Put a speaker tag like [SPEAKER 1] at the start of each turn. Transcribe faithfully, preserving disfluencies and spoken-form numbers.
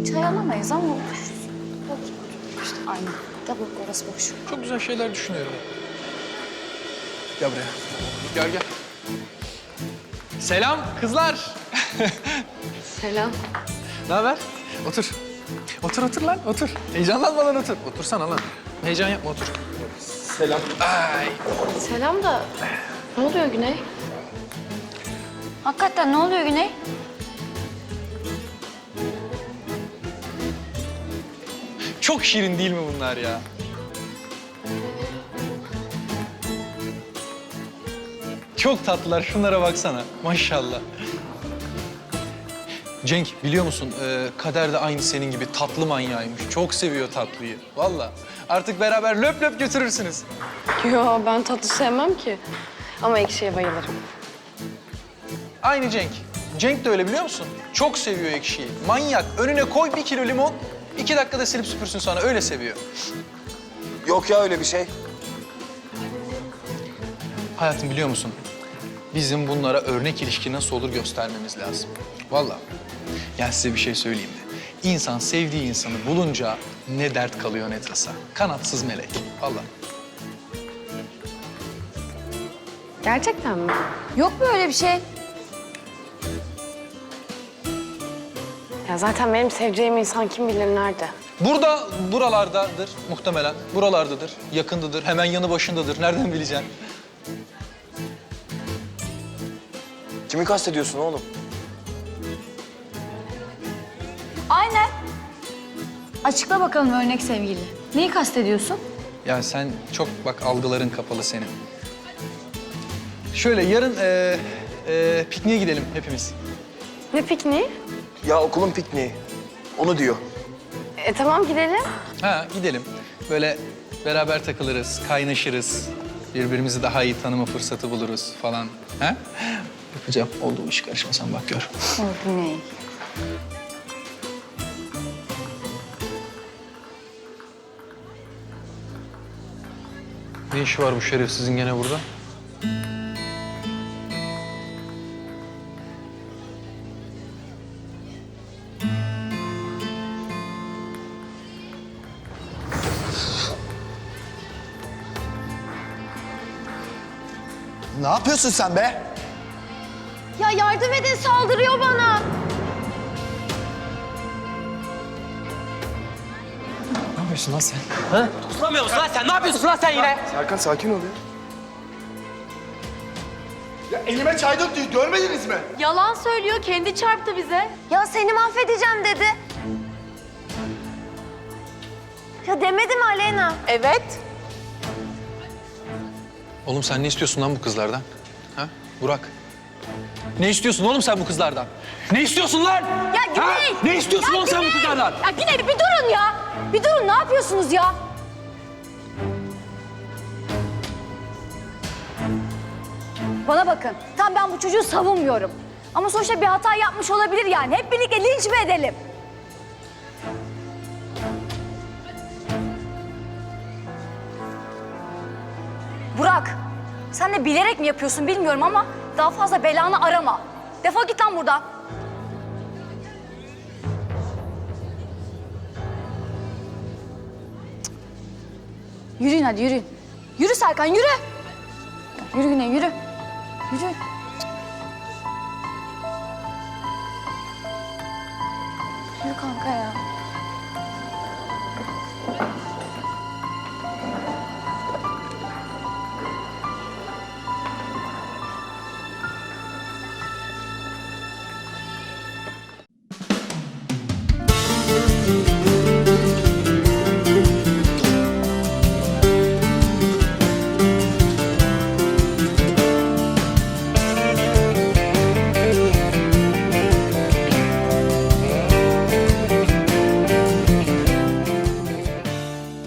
[SPEAKER 1] Çay alamayız ama otururuz. Bak işte aynı. Da bak orası boş.
[SPEAKER 2] Çok güzel şeyler düşünüyorum. Gel buraya. Gel gel. Selam kızlar.
[SPEAKER 1] Selam.
[SPEAKER 2] Ne haber? Otur. Otur otur lan otur. Heyecanlanmadan otur. Otursana lan. Heyecan yapma otur. Selam. Ay.
[SPEAKER 1] Selam da ne oluyor Güney? Hakikaten ne oluyor Güney?
[SPEAKER 2] Çok şirin değil mi bunlar ya? Çok tatlılar. Şunlara baksana. Maşallah. Cenk biliyor musun? Ee, Kader de aynı senin gibi tatlı manyağıymış. Çok seviyor tatlıyı. Vallahi. Artık beraber löp löp götürürsünüz.
[SPEAKER 3] Yo, ben tatlı sevmem ki. Ama ekşiye bayılırım.
[SPEAKER 2] Aynı Cenk. Cenk de öyle biliyor musun? Çok seviyor ekşiyi. Manyak. Önüne koy bir kilo limon. iki dakikada silip süpürsün sana. Öyle seviyor.
[SPEAKER 4] Yok ya öyle bir şey.
[SPEAKER 2] Hayatım biliyor musun? Bizim bunlara örnek ilişki nasıl olur göstermemiz lazım. Vallahi. Ya size bir şey söyleyeyim mi? İnsan sevdiği insanı bulunca ne dert kalıyor ne tasa. Kanatsız melek. Vallahi.
[SPEAKER 3] Gerçekten mi?
[SPEAKER 1] Yok böyle bir şey.
[SPEAKER 3] Ya zaten benim seveceğim insan kim bilir nerede?
[SPEAKER 2] Burada, buralardadır muhtemelen. Buralardadır, yakındadır, hemen yanı başındadır. Nereden bileceksin?
[SPEAKER 4] Kimi kastediyorsun oğlum?
[SPEAKER 1] Aynen. Açıkla bakalım örnek sevgili. Neyi kastediyorsun?
[SPEAKER 2] Ya sen çok bak algıların kapalı senin. Şöyle yarın e, e, pikniğe gidelim hepimiz.
[SPEAKER 3] Ne pikniği?
[SPEAKER 4] Ya okulun pikniği. Onu diyor.
[SPEAKER 3] E tamam gidelim.
[SPEAKER 2] Ha gidelim. Böyle beraber takılırız, kaynaşırız. Birbirimizi daha iyi tanıma fırsatı buluruz falan. Ha? Yapacağım. Oldu bu iş karışma sen bak gör.
[SPEAKER 1] O Güney.
[SPEAKER 2] Ne işi var bu şerefsizin gene burada?
[SPEAKER 4] Ne yapıyorsun sen be?
[SPEAKER 1] Ya yardım edin saldırıyor bana.
[SPEAKER 2] Ne yapıyorsun lan sen?
[SPEAKER 5] Tutamıyor musun lan sen? Ne yapıyorsun lan sen yine?
[SPEAKER 4] Serkan sakin ol ya. Ya elime çay döktü, görmediniz mi?
[SPEAKER 3] Yalan söylüyor, kendi çarptı bize.
[SPEAKER 1] Ya seni mahvedeceğim dedi. Ya demedi mi Aleyna?
[SPEAKER 3] Evet.
[SPEAKER 2] Oğlum sen ne istiyorsun lan bu kızlardan? Ha? Burak. Ne istiyorsun oğlum sen bu kızlardan? Ne istiyorsun lan?
[SPEAKER 1] Ya Güney!
[SPEAKER 2] Ha? Ne istiyorsun
[SPEAKER 1] Ya
[SPEAKER 2] oğlum sen bu
[SPEAKER 1] Güney!
[SPEAKER 2] kızlardan?
[SPEAKER 1] Ya Güney bir durun ya. Bir durun ne yapıyorsunuz ya? Bana bakın. Tam ben bu çocuğu savunmuyorum. Ama sonuçta bir hata yapmış olabilir yani. Hep birlikte linç mi edelim? Burak, sen de bilerek mi yapıyorsun bilmiyorum ama daha fazla belanı arama. Defol git lan buradan. Yürüyün hadi yürüyün. Yürü Serkan yürü. Yürü Güney yürü. Yürü. Yürü kanka ya.